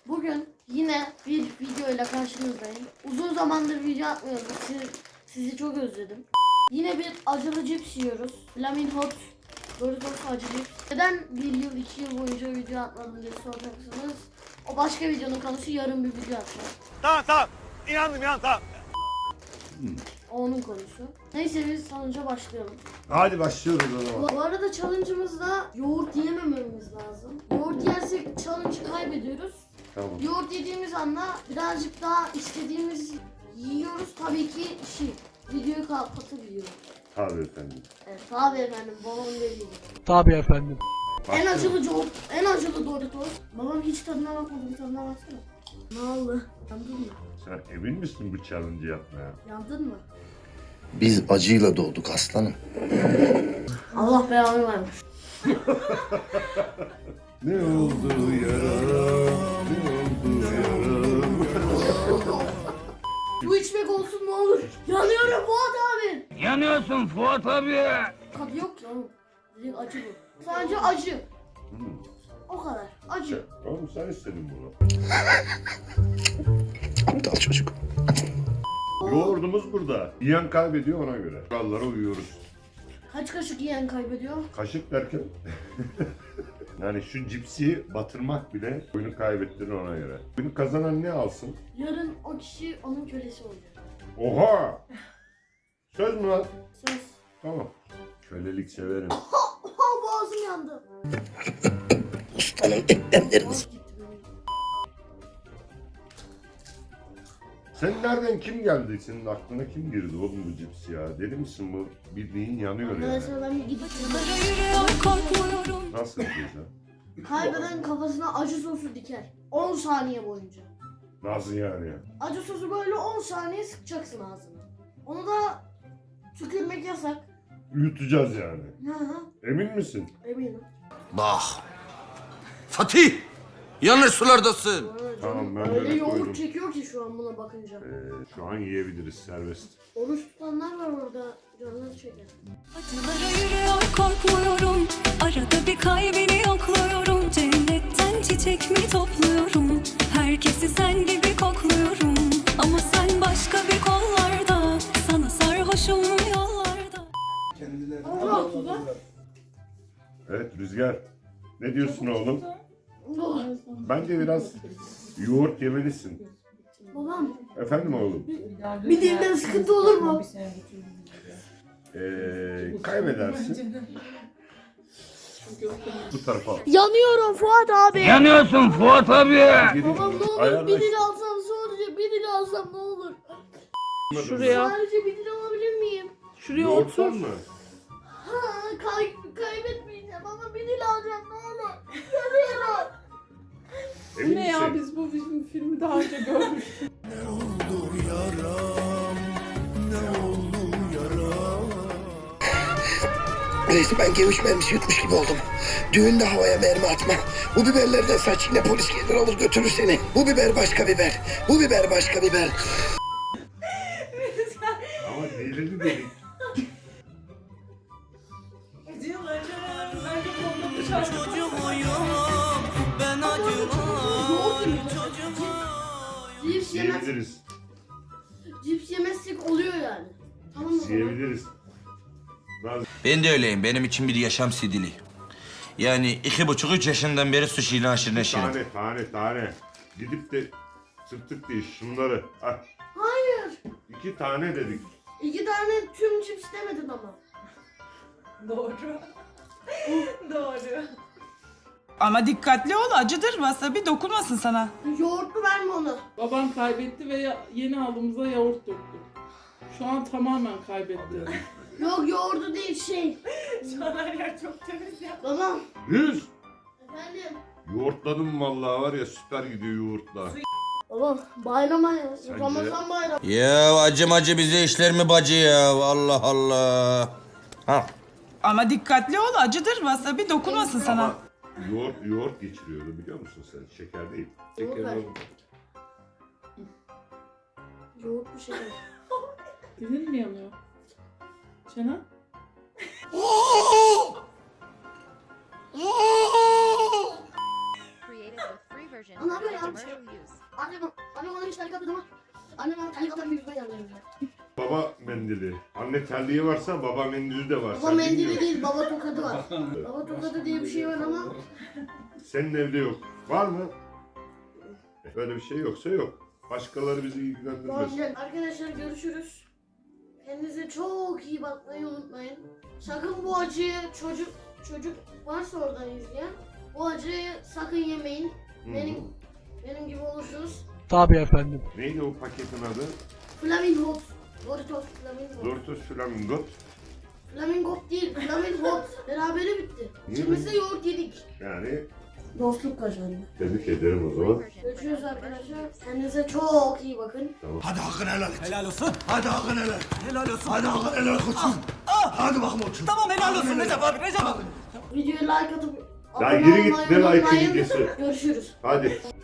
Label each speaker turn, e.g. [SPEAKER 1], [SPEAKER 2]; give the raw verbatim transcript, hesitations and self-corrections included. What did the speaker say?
[SPEAKER 1] Bugün yine bir video ile karşınızdayım. Uzun zamandır video atmıyordum. Sizi, sizi çok özledim. Yine bir acılı cips yiyoruz. Flamin Hot Doritos acı cips. Neden bir yıl iki yıl boyunca video atmadım diye soracaksınız. O başka videonun konusu, yarın bir video atacağım.
[SPEAKER 2] Tamam tamam. İnandım inandım tamam.
[SPEAKER 1] O onun konusu. Neyse biz challenge'a başlayalım.
[SPEAKER 3] Hadi başlıyoruz o zaman.
[SPEAKER 1] Bu arada challenge'ımızda yoğurt yemememiz lazım. Yoğurt yersek challenge'ı kaybediyoruz.
[SPEAKER 3] Tamam.
[SPEAKER 1] Yoğurt yediğimiz anda birazcık daha istediğimiz yiyoruz. Tabii ki şey, videoyu kapatabiliyoruz.
[SPEAKER 3] Tabii efendim.
[SPEAKER 1] Evet, tabii efendim, babam dediği gibi.
[SPEAKER 4] Tabii efendim.
[SPEAKER 1] En acılı yoğurt, en acılı Doritos. Babam hiç tadına bakmadı, bir tadına baksana. Ne oldu? Yandın mı?
[SPEAKER 3] Sen emin misin bu challenge'ı yapmaya?
[SPEAKER 1] Yandın mı?
[SPEAKER 5] Biz acıyla doğduk aslanım.
[SPEAKER 1] Allah belanı vermiş.
[SPEAKER 3] Ne oldu yaram? Ne oldu yaram?
[SPEAKER 1] Bu içmek olsun ne olur. Yanıyorum Fuat abi.
[SPEAKER 2] Yanıyorsun Fuat abi.
[SPEAKER 1] Tadı yok ki oğlum. Direkt acı bu. Sadece acı.
[SPEAKER 3] Hmm.
[SPEAKER 1] O kadar. Acı.
[SPEAKER 3] Oğlum sen istedin bunu.
[SPEAKER 5] Aptal çocuk.
[SPEAKER 3] Yoğurdumuz burada. Yiyen kaybediyor ona göre. Kurallara uyuyoruz.
[SPEAKER 1] Kaç kaşık yiyen kaybediyor?
[SPEAKER 3] Kaşık derken yani şu cipsi batırmak bile oyunu kaybettiğini ona göre. Oyunu kazanan ne alsın?
[SPEAKER 1] Yarın o kişi onun kölesi olacak.
[SPEAKER 3] Oha! Söz mü lan?
[SPEAKER 1] Söz.
[SPEAKER 3] Tamam. Kölelik severim.
[SPEAKER 1] Oha, boğazım yandı.
[SPEAKER 5] Ustanın eklemleriniz.
[SPEAKER 1] Boğaz gitti benim.
[SPEAKER 3] Sen nereden, kim geldi? Senin aklına kim girdi oğlum bu cips ya? Deli misin bu? Bildiğin yanıyor yani.
[SPEAKER 1] Arkadaşlar ben bir gidip
[SPEAKER 3] Nasıl yapacağız ha?
[SPEAKER 1] kaybeden kafasına acı sosu diker. on saniye boyunca.
[SPEAKER 3] Nasıl yani ya?
[SPEAKER 1] Acı sosu böyle on saniye sıkacaksın ağzına. Onu da tükürmek yasak.
[SPEAKER 3] Yutacağız yani.
[SPEAKER 1] Hı hı,
[SPEAKER 3] Emin misin?
[SPEAKER 1] eminim.
[SPEAKER 6] Bak. Fatih. Yanlış sulardasın.
[SPEAKER 1] Bu arada
[SPEAKER 3] Tamam,
[SPEAKER 1] canım
[SPEAKER 3] ben
[SPEAKER 1] öyle
[SPEAKER 3] böyle
[SPEAKER 1] yoğurt
[SPEAKER 3] koydum.
[SPEAKER 1] çekiyor ki şu an buna bakınca.
[SPEAKER 3] Ee, şu an yiyebiliriz, serbest.
[SPEAKER 1] Oruç tutanlar var orada. Canları çeker.
[SPEAKER 7] Acılara yürüyor korkmuyorum. Arada bir kalbini yokluyorum. Cennetten çiçek mi topluyorum? Herkesi sen gibi kokluyorum. Ama sen başka bir kollarda. Sana sarhoşum yollarda.
[SPEAKER 1] Allah.
[SPEAKER 3] Evet Rüzgar. Ne diyorsun oğlum?
[SPEAKER 1] Oh,
[SPEAKER 3] Bence biraz yoğurt yemelisin.
[SPEAKER 1] babam
[SPEAKER 3] Efendim oğlum?
[SPEAKER 1] bir dilimden sıkıntı olur mu?
[SPEAKER 3] Ee, kaybedersin. Bu tarafa al.
[SPEAKER 1] Yanıyorum Fuat abi.
[SPEAKER 2] Yanıyorsun Fuat abi.
[SPEAKER 3] Gidin,
[SPEAKER 1] Babam ne olur
[SPEAKER 3] ayarlaş.
[SPEAKER 1] bir dil alsam, sadece bir dil alsam ne olur?
[SPEAKER 8] Şuraya,
[SPEAKER 1] Sadece bir dil alabilir miyim?
[SPEAKER 8] şuraya
[SPEAKER 3] Yoğurttan
[SPEAKER 8] otur.
[SPEAKER 3] mı?
[SPEAKER 1] Ha, kay kaybetmeyeceğim ama bir dil alacağım ne olur. Yanıyorum.
[SPEAKER 3] Emin
[SPEAKER 8] Ne ya,
[SPEAKER 3] misin?
[SPEAKER 8] biz bu film, filmi daha önce görmüştük.
[SPEAKER 5] Resmen geviş mermisi yutmuş gibi oldum. Düğünde havaya mermi atma. Bu biberlerden saç, yine polis gelir alır götürür seni. Bu biber başka biber. Bu biber başka biber.
[SPEAKER 3] Ama delili dedik.
[SPEAKER 1] Yoğurt gibi. Cips yemez,
[SPEAKER 3] Yiyebiliriz.
[SPEAKER 1] cips yemezsek oluyor yani. Tamam mı?
[SPEAKER 3] Yiyebiliriz. Bazı
[SPEAKER 6] Ben de öyleyim. Benim için bir yaşam sidili. Yani iki buçuk üç yaşından beri sushi ile aşırı neşirim.
[SPEAKER 3] tane tane tane. Gidip de tırtık değil şunları. Ah,
[SPEAKER 1] Hayır.
[SPEAKER 3] iki tane dedik.
[SPEAKER 1] İki tane tüm cips demedin ama.
[SPEAKER 8] Doğru. Doğru.
[SPEAKER 9] Ama dikkatli ol, acıdır. Wasabi dokunmasın sana.
[SPEAKER 1] Yoğurtlu verme onu.
[SPEAKER 8] Babam kaybetti ve ya- yeni aldığımızda yoğurt döktü. Şu an tamamen kaybetti.
[SPEAKER 1] Yok, yoğurdu değil, şey.
[SPEAKER 8] Şu an her yer çok temiz ya.
[SPEAKER 1] Babam.
[SPEAKER 3] Yüz.
[SPEAKER 1] Efendim.
[SPEAKER 3] Yoğurtladım vallahi var ya, süper gidiyor yoğurtla.
[SPEAKER 1] Babam bayrama ya.
[SPEAKER 3] Sence?
[SPEAKER 1] Ramazan bayramı.
[SPEAKER 6] Ya acım acı bize işler mi bacı ya? Allah Allah. Ha.
[SPEAKER 9] Ama dikkatli ol, acıdır. Wasabi dokunmasın sana.
[SPEAKER 3] Ama yoğurt, yoğurt geçiriyordu biliyor musun sen? Şeker değil.
[SPEAKER 1] Yoğurt
[SPEAKER 3] Şeker
[SPEAKER 1] ver.
[SPEAKER 3] olmadı.
[SPEAKER 1] Yoğurt bir şey.
[SPEAKER 8] Dilin mi yanıyor? Çena?
[SPEAKER 10] Created with free
[SPEAKER 1] Ana yapıyor ya? Annem, annem ona hiç terlik atmadı ama annem bana terlik atan bir yüzme geldi.
[SPEAKER 3] Baba mendili. Anne terliği varsa baba mendili de var.
[SPEAKER 1] Baba
[SPEAKER 3] Sen
[SPEAKER 1] mendili
[SPEAKER 3] bilmiyorsun.
[SPEAKER 1] değil, baba tokadı var. Baba tokadı diye bir şey var ama
[SPEAKER 3] Senin evde yok. Var mı? Öyle bir şey yoksa yok. Başkaları bizi ilgilendirmez.
[SPEAKER 1] arkadaşlar görüşürüz. Kendinize çok iyi bakmayı unutmayın. Sakın bu acıyı çocuk çocuk varsa oradan izleyen bu acıyı sakın yemeyin. Benim benim gibi olursunuz.
[SPEAKER 4] Tabii efendim.
[SPEAKER 3] Neydi o paketin adı?
[SPEAKER 1] Flamingo. Doritos Flamingo.
[SPEAKER 3] Doritos Flamingo.
[SPEAKER 1] Flamingo değil, Flamingo. Berabere bitti.
[SPEAKER 3] Niye
[SPEAKER 1] İkimiz de
[SPEAKER 3] ben-
[SPEAKER 1] yoğurt yedik.
[SPEAKER 3] Yani
[SPEAKER 1] Dostluk kazandı.
[SPEAKER 3] tebrik ederim o zaman.
[SPEAKER 1] Görüşürüz arkadaşlar. Kendinize çok iyi bakın.
[SPEAKER 6] Hadi hakkını helal et. Helal olsun. Hadi hakkını helal et. Helal olsun. Hadi hakkını helal et koçum. Hadi bakma koçum. Tamam helal olsun Recep abi Recep abi.
[SPEAKER 1] Videoya like atıp
[SPEAKER 3] Lan
[SPEAKER 1] abone
[SPEAKER 3] geri git,
[SPEAKER 1] olmayı
[SPEAKER 3] ne like'ı
[SPEAKER 1] unutmayın.
[SPEAKER 3] videosu?
[SPEAKER 1] Görüşürüz.
[SPEAKER 3] Hadi.